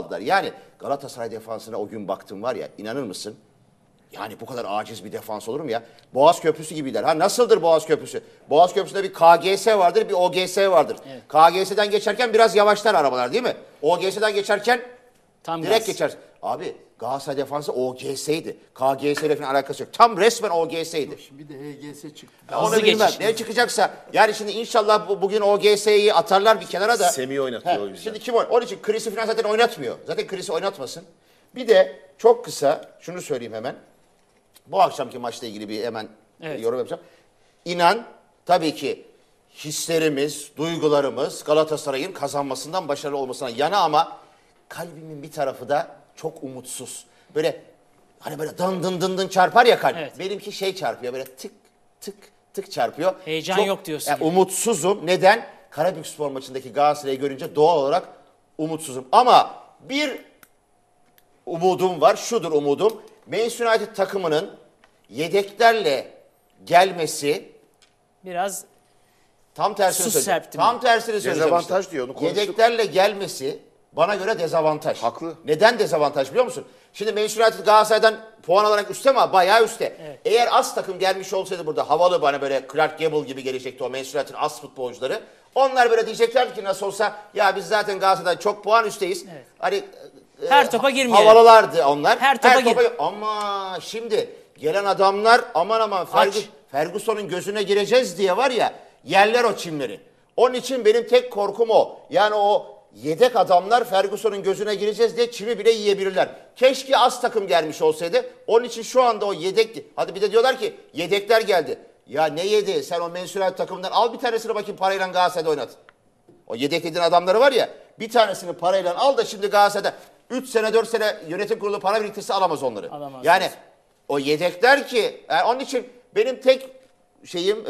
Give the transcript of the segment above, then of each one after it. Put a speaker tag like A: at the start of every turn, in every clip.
A: aldılar. Yani Galatasaray defansına o gün baktım var ya, inanır mısın? Yani bu kadar aciz bir defans olur mu ya? Boğaz Köprüsü gibiler. Ha nasıldır Boğaz Köprüsü? Boğaz Köprüsü'nde bir KGS vardır, bir OGS vardır. Evet. KGS'den geçerken biraz yavaşlar arabalar değil mi? OGS'den geçerken tam direkt geçer. Abi Galatasaray defansı OGS'ydi. KGS ile falan alakası yok. Tam resmen OGS'ydi.
B: Şimdi de HGS çıktı.
A: Onu bilmem. Ne çıkacaksa. Yani şimdi inşallah bugün OGS'yi atarlar bir kenara da.
C: Semih oynatıyor o yüzden.
A: Şimdi kim oynuyor? Onun için Chris'i falan zaten oynatmıyor. Zaten Chris'i oynatmasın. Bir de çok kısa şunu söyleyeyim hemen. Bu akşamki maçla ilgili bir hemen yorum yapacağım. İnan tabii ki hislerimiz, duygularımız Galatasaray'ın kazanmasından, başarılı olmasına yana ama kalbimin bir tarafı da çok umutsuz. Böyle hani böyle dın dın dın dın çarpar ya kalp. Evet. Benimki şey çarpıyor, böyle tık tık tık çarpıyor.
D: Heyecan çok, yok diyorsun.
A: Umutsuzum. Neden? Karabükspor maçındaki Galatasaray'ı görünce doğal olarak umutsuzum. Ama bir umudum var. Şudur umudum. Manchester United takımının yedeklerle gelmesi
D: biraz
A: tam tersini söyleyeceğim. Tam tersini söyleyeceğim.
C: Dezavantaj diyor, onu konuştuk.
A: Yedeklerle gelmesi bana göre dezavantaj.
C: Haklı.
A: Neden dezavantaj biliyor musun? Şimdi Manchester United Galatasaray'dan puan olarak üstte ama bayağı üstte. Evet. Eğer az takım gelmiş olsaydı burada havalı bana böyle Clark Gable gibi gelecekti o Manchester United'ın az futbolcuları. Onlar böyle diyeceklerdi ki nasıl olsa ya biz zaten Galatasaray'dan çok puan üstteyiz. Evet. Hani
D: her topa girmeyelim.
A: Havalılardı onlar.
D: Her topa
A: ama şimdi gelen adamlar aman Ferguson'un gözüne gireceğiz diye var ya yerler o çimleri. Onun için benim tek korkum o. Yani o yedek adamlar Ferguson'un gözüne gireceğiz diye çimi bile yiyebilirler. Keşke az takım gelmiş olsaydı. Onun için şu anda o yedek. Hadi bir de diyorlar ki yedekler geldi. Ya ne yedi? Sen o Manchester United takımından al bir tanesini bakayım parayla Galatasaray'da oynat. O yedeklediğin adamları var ya bir tanesini parayla al da şimdi Galatasaray'da 3 sene 4 sene yönetim kurulu para biriktirse alamaz onları.
D: Alamaz.
A: Yani o yedekler ki yani onun için benim tek şeyim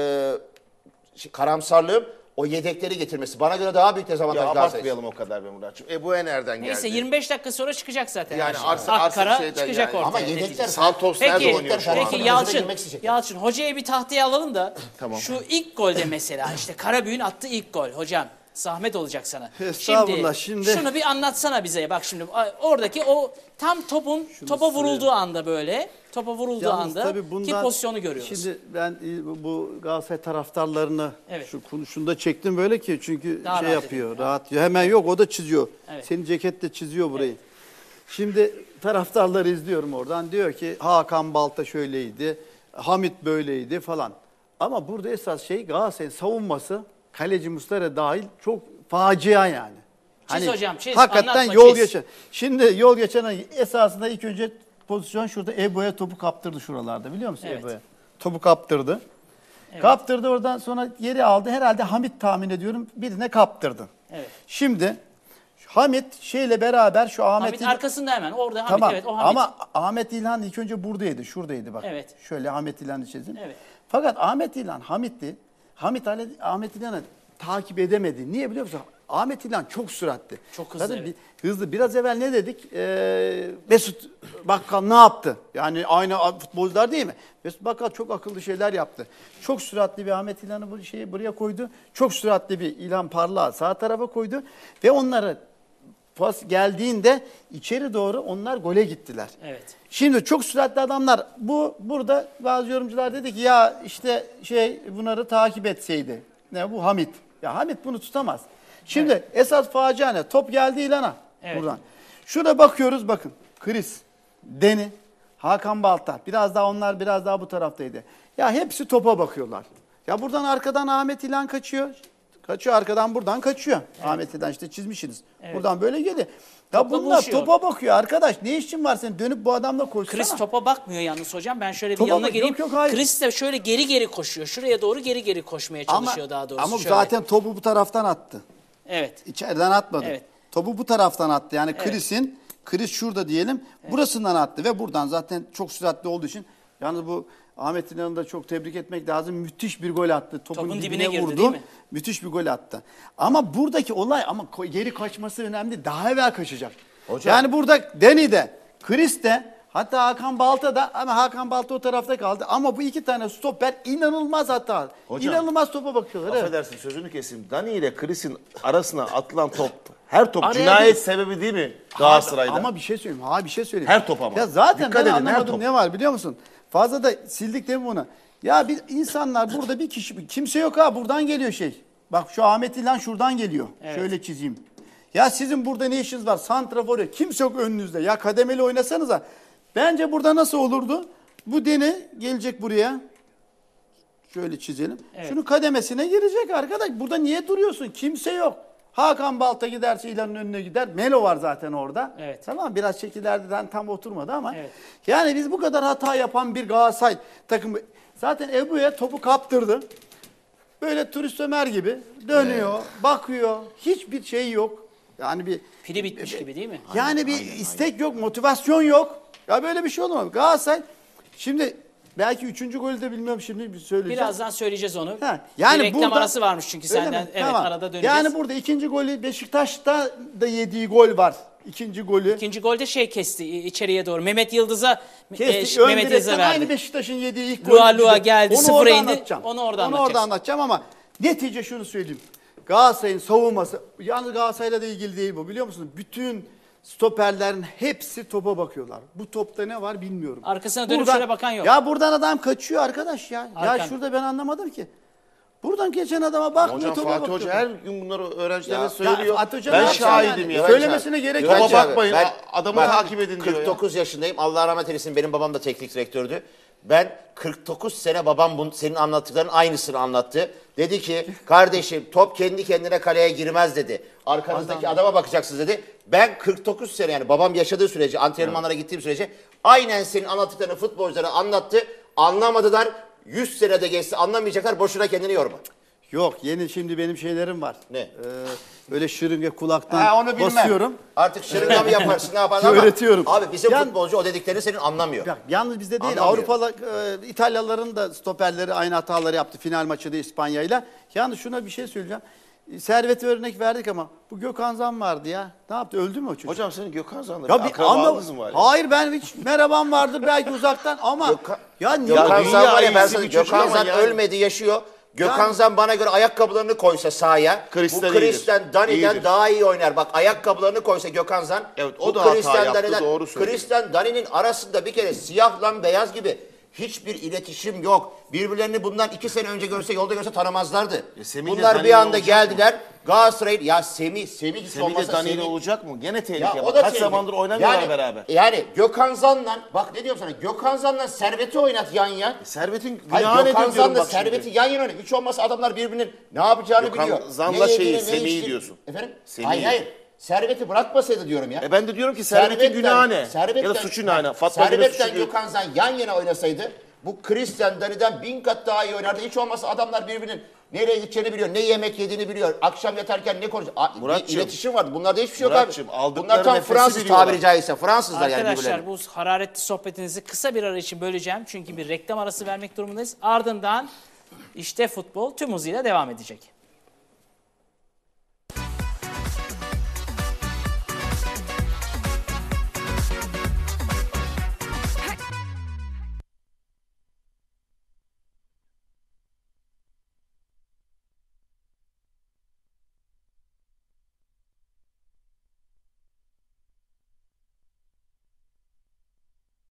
A: karamsarlığım o yedekleri getirmesi. Bana göre daha büyük dezavantaj Galatasaray.
C: Abartmayalım o kadar be Muratçım. Bu nereden geldi?
D: Neyse 25 dakika sonra çıkacak zaten.
C: Yani
D: Akkara çıkacak
C: yani.
D: ortaya.
A: Ama yedekler
C: Santos nerede oynuyor şu an?
D: Peki Yalçın hocaya bir tahtaya alalım da tamam. Şu ilk golde mesela işte Karabüyük'ün attığı ilk gol hocam. Zahmet olacak sana. Şimdi şunu bir anlatsana bize. Bak şimdi oradaki o tam topa vurulduğu anda böyle. Topa vurulduğu anda ki pozisyonu görüyoruz.
B: Şimdi ben bu Galatasaray taraftarlarını şunu çektim böyle ki çünkü daha şey yapıyor, rahat diyor. Hemen yok o da çiziyor. Evet. Senin ceket de çiziyor burayı. Evet. Şimdi taraftarları izliyorum oradan. Diyor ki Hakan Balta şöyleydi, Hamit böyleydi falan. Ama burada esas şey Galatasaray'ın savunması kaleci Muslera dahil çok facia yani.
D: Çiz hocam çiz.
B: Hakikaten yol geçen. Şimdi yol geçen esasında ilk önce pozisyon şurada Ebo'ya topu kaptırdı şuralarda biliyor musun Ebo'ya? Topu kaptırdı. Evet. Kaptırdı oradan sonra geri aldı. Herhalde Hamit tahmin ediyorum birine kaptırdı. Evet. Şimdi Hamit şeyle beraber şu Hamit
D: arkasında hemen orada Hamit
B: tamam.
D: Evet o Hamit.
B: Ama Ahmet İlhan ilk önce buradaydı şuradaydı bak. Evet. Şöyle Ahmet İlhan'ı çizdim. Evet. Fakat Ahmet İlhan Ahmet İlhan'ı takip edemedi. Niye biliyor musun? Ahmet İlhan çok süratli.
D: Çok hızlı.
B: Zaten hızlı. Biraz evvel ne dedik? Mesut Bakkal ne yaptı? Yani aynı futbolcular değil mi? Mesut Bakkal çok akıllı şeyler yaptı. Çok süratli bir Ahmet İlhan'ı buraya koydu. Çok süratli bir İlhan Parlak'ı sağ tarafa koydu. Ve onları pas geldiğinde içeri doğru onlar gole gittiler. Evet. Şimdi çok süratli adamlar burada bazı yorumcular dedi ki ya işte bunları takip etseydi. Ne bu Hamit. Ya Hamit bunu tutamaz. Şimdi esas facia ne? Top geldi İlhan'a buradan. Şurada bakıyoruz bakın. Chris, Deni, Hakan Balta. Biraz daha bu taraftaydı. Ya hepsi topa bakıyorlar. Ya buradan arkadan Ahmet İlhan kaçıyor. Kaçıyor arkadan buradan kaçıyor. Evet. Ahmet İlhan işte çizmişsiniz. Evet. Buradan böyle geliyor. Ya bunlar topa bakıyor arkadaş. Ne işin var senin? Dönüp bu adamla koşsana.
D: Chris topa bakmıyor yalnız hocam. Ben şöyle bir yanına geleyim. Chris de şöyle geri koşuyor. Şuraya doğru geri koşmaya çalışıyor daha doğrusu.
B: Ama zaten topu bu taraftan attı.
D: Evet.
B: İçeriden atmadı. Evet. Topu bu taraftan attı. Yani Chris şurada diyelim. Evet. Burasından attı ve buradan zaten çok süratli olduğu için yalnız bu Ahmet İlhan'ı da çok tebrik etmek lazım. Müthiş bir gol attı. Topun dibine vurdu. Girdi, değil mi? Müthiş bir gol attı. Ama buradaki olay geri kaçması önemli. Daha evvel kaçacak. Hocam. Yani burada Deni'de, Chris'te hatta Hakan Balta ama Hakan Balta o tarafta kaldı. Ama bu iki tane stoper inanılmaz
C: Hocam,
B: İnanılmaz topa bakıyorlar.
C: Affedersin sözünü keseyim. Dani ile Chris'in arasına atılan top Her top
B: Araya
C: cinayet
B: değil.
C: sebebi değil mi Galatasaray'da?
B: Ama bir şey söyleyeyim. Bir şey söyleyeyim.
C: Her top ama.
B: Ya zaten
C: Dikkat
B: ben
C: edin, her
B: anlamadım
C: top.
B: ne var biliyor musun? Fazla da sildik değil mi bunu? Ya bir insanlar burada bir kişi kimse yok ha buradan geliyor şey. Bak şu Ahmet İlhan şuradan geliyor.
D: Evet.
B: Şöyle çizeyim. Ya sizin burada ne işiniz var? Santrafor yok. Kimse yok önünüzde. Ya kademeli oynasanıza. Bence burada nasıl olurdu? Bu Deni gelecek buraya. Şöyle çizelim.
D: Evet.
B: Şunun kademesine girecek arkadaş. Burada niye duruyorsun? Kimse yok. Hakan Balta giderse İlhan'ın önüne gider. Melo var zaten orada.
D: Evet.
B: Tamam biraz şekillerden tam oturmadı ama.
D: Evet.
B: Yani biz bu kadar hata yapan bir Galatasaray takımı. Zaten Ebu'ya topu kaptırdı. Böyle turist Ömer gibi dönüyor, bakıyor. Hiçbir şey yok. Yani bir
D: Pili bitmiş gibi değil mi?
B: yani bir istek yok, motivasyon yok. Ya böyle bir şey olmaz. Galatasaray şimdi belki 3. golü de bilmiyorum şimdi bir söyleyeceğim.
D: Birazdan söyleyeceğiz onu.
B: Ha,
D: Yani bir reklam
B: burada-
D: arası varmış çünkü
B: Öyle
D: senden.
B: mi?
D: Evet
B: Tamam.
D: arada döneceğiz.
B: Yani burada ikinci golü Beşiktaş'ta da yediği gol var. İkinci golü.
D: İkinci golde şey kesti içeriye doğru. Mehmet Yıldız'a
B: Kesti, ön
D: Mehmet Yıldız'a
B: direkten aynı
D: verdi.
B: Beşiktaş'ın yediği ilk
D: Lua
B: golü.
D: Lua geldi,
B: Onu
D: sıfıra
B: orada
D: indi.
B: anlatacağım.
D: Onu orada
B: orada
D: anlatacaksın.
B: anlatacağım ama netice şunu söyleyeyim. Galatasaray'ın savunması, yalnız Galatasaray'la da ilgili değil bu biliyor musunuz? Bütün stoperlerin hepsi topa bakıyorlar. Bu topta ne var bilmiyorum.
D: Arkasına dönüp şöyle bakan yok.
B: Ya buradan adam kaçıyor arkadaş ya. Ya
D: Arkan.
B: şurada ben anlamadım ki. Buradan geçen adama bakmıyor
C: Hocam
B: topa
C: Fatih
B: bakıyor.
C: Hoca her gün bunları öğrencilerine
A: Ya,
C: söylüyor.
B: Fatih Hoca ne
C: Ben
B: yapacak
C: şahidim
B: yani?
C: ya.
B: Söylemesine gerek yok.
C: Topa
A: Bence abi,
C: bakmayın,
A: ben-
C: adamı
A: ben
C: takip edin diyor ya.
A: 49 yaşındayım. Allah rahmet eylesin. Benim babam da teknik direktördü. Ben 49 sene babam senin anlattıkların aynısını anlattı. Dedi ki kardeşim top kendi kendine kaleye girmez dedi. Arkanızdaki adama bakacaksınız dedi. Ben 49 sene yani babam yaşadığı sürece antrenmanlara gittiğim sürece aynen senin anlattıklarını futbolculara anlattı. Anlamadılar. 100 senede geçse anlamayacaklar. Boşuna kendini yorma.
B: Yok yeni şimdi benim şeylerim var.
A: Ne?
B: Böyle şırınga kulaktan
A: Ha, onu bilmem.
B: basıyorum.
A: Artık şırınga mı yaparsın ne yaparsın ama.
B: Öğretiyorum.
A: Abi bizim
B: Yani-
A: futbolcu o dediklerini senin anlamıyor.
B: Ya, yalnız bizde değil.
A: Anlamıyor.
B: Avrupalı İtalyalıların da stoperleri aynı hataları yaptı final maçında İspanya'yla. Yalnız şuna bir şey söyleyeceğim. Servet'e örnek verdik ama bu Gökhan Zan vardı ya. Ne yaptı? Öldü mü o çocuk?
C: Hocam senin Gökhan Zan'la
B: ya
C: bir
B: bir
C: akrabalığınız mı var? ya?
B: Hayır ben hiç merhabam vardır belki uzaktan ama ya niye?
A: Gökhan
C: dünya
A: Zan var ya ben
C: iyisi
A: sana
C: bir çocuk
A: Gökhan
C: ama
A: Zan
C: yani.
A: ölmedi yaşıyor. Gökhan
B: Yani-
A: Zan bana göre ayakkabılarını koysa sahaya
C: Chris'ten
A: bu Chris'ten
C: iyidir.
A: Dani'den
C: İyidir.
A: daha iyi oynar. Bak ayakkabılarını koysa Gökhan Zan
C: Evet, o
A: bu
C: da hata
A: Chris'ten
C: yaptı,
A: Dani'den-
C: doğru söylüyor.
A: Chris'ten Dani'nin arasında bir kere siyahla beyaz gibi hiçbir iletişim yok. Birbirlerini bundan 2 sene önce görse yolda görse tanımazlardı.
C: Semih'le
A: Bunlar bir
C: Dani'yle
A: anda
C: olacak
A: geldiler. Galatasaray'ın ya Semih hiç
C: Semih de
A: olmazsa
C: Dani'yle
A: Semih-
C: olacak mı? Gene
A: ya
C: tehlike.
A: o
C: Bak,
A: da
C: kaç
A: tehlikeli.
C: zamandır oynamıyorlar
A: Yani-
C: beraber.
A: Yani Gökhan Zan'la bak ne diyorum sana Gökhan Zan'la Servet'i oynat yan yan.
C: Servet'in
A: Hayır
C: günahı
A: Gökhan
C: nedir diyorum
A: Zan'la
C: bak şimdi.
A: Servet'i yan yana oynat. Hiç olmazsa adamlar birbirinin ne yapacağını
C: Gökhan
A: biliyor.
C: Zan'la
A: Ne
C: şeyi,
A: yediğini, ne
C: Semih'i
A: içtiğini-
C: diyorsun.
A: Efendim?
C: Semih'i.
A: Hayır. Servet'i bırakmasaydı diyorum ya.
C: Ben de diyorum ki Servet'in günahı ne? Ya da suçu ne? Fatma Gül'ün
A: Servet'ten
C: suçu değil.
A: Gökhan Zan yan yana oynasaydı bu Christian Dani'den 1000 kat daha iyi oynardı. Hiç olmazsa adamlar birbirinin nereye gideceğini biliyor, ne yemek yediğini biliyor. Akşam yatarken ne konuşuyor. Bir
C: Muratçığım,
A: iletişim vardı. Bunlarda hiçbir şey yok
C: Muratçığım,
A: abi.
C: aldıkları
A: Bunlar tam
C: nefesi
A: Fransız
C: biliyorlar.
A: tabiri caizse. Fransızlar yani
D: Arkadaşlar
A: birbirlerine.
D: bu hararetli sohbetinizi kısa bir ara için böleceğim. Çünkü bir reklam arası vermek durumundayız. Ardından işte futbol tüm hızıyla devam edecek.